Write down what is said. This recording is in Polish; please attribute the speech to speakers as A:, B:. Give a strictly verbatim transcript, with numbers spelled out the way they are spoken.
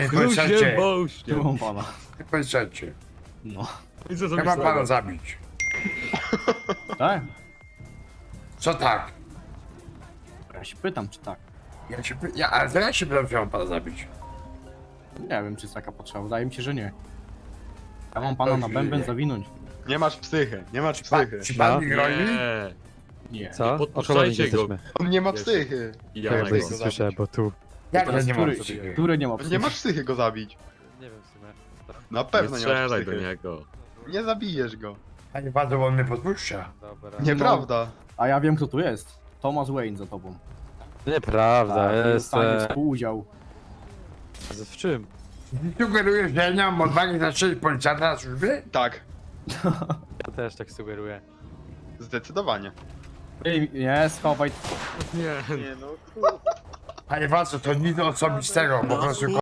A: Panie
B: Ludzie
A: policjancie,
B: boście.
C: Tu mam pana.
A: panie policjancie,
C: No.
B: I co
A: ja
B: zrobisz
A: mam pana
B: tego?
A: zabić.
C: Tak?
A: Co tak?
C: Ja się pytam, czy tak.
A: Ja się, py- ja, ale to ja się pytam, czy mam pana zabić.
C: Nie wiem, czy jest taka potrzeba. Wydaje mi się, że nie. Ja mam pana na bęben zawinąć.
D: Nie masz psychy, nie masz
A: Pa,
D: psychy.
A: czy pan
E: No.
A: mi groi?
B: Nie.
C: Nie.
E: Co?
B: podpuszczajcie
E: O kolorze
B: go.
E: jesteśmy.
D: On nie ma
B: Jeszcze.
D: psychy.
B: Ja
E: Ja
B: na
D: Jakbyś
B: go.
D: go
E: słyszę,
D: zabić.
E: bo tu...
A: Jak to nie mam
C: który,
A: psychy?
C: który nie ma
D: On
C: psychy?
D: nie masz psychy go zabić.
E: Nie wiem w sumie.
D: Na
B: Nie
D: pewno nie, masz
B: strzelaj do
D: psychy.
B: niego.
D: Nie zabijesz go.
A: Panie bardzo, on mnie podpuszcza.
E: Dobra.
D: Nieprawda.
C: A ja wiem, kto tu jest. Thomas Wayne za tobą.
E: Nieprawda,
C: Tak,
E: jest...
C: dostanie
E: E...
C: współudział.
E: W czym?
A: Sugerujesz, że ja nie mam odwagi zastrzelić policjanta na służbie?
D: Tak,
E: Ja też tak sugeruję.
D: zdecydowanie.
C: Ej, nie, schowaj.
B: Nie.
D: Nie no,
A: Panie Waco, to nic osobistego, po prostu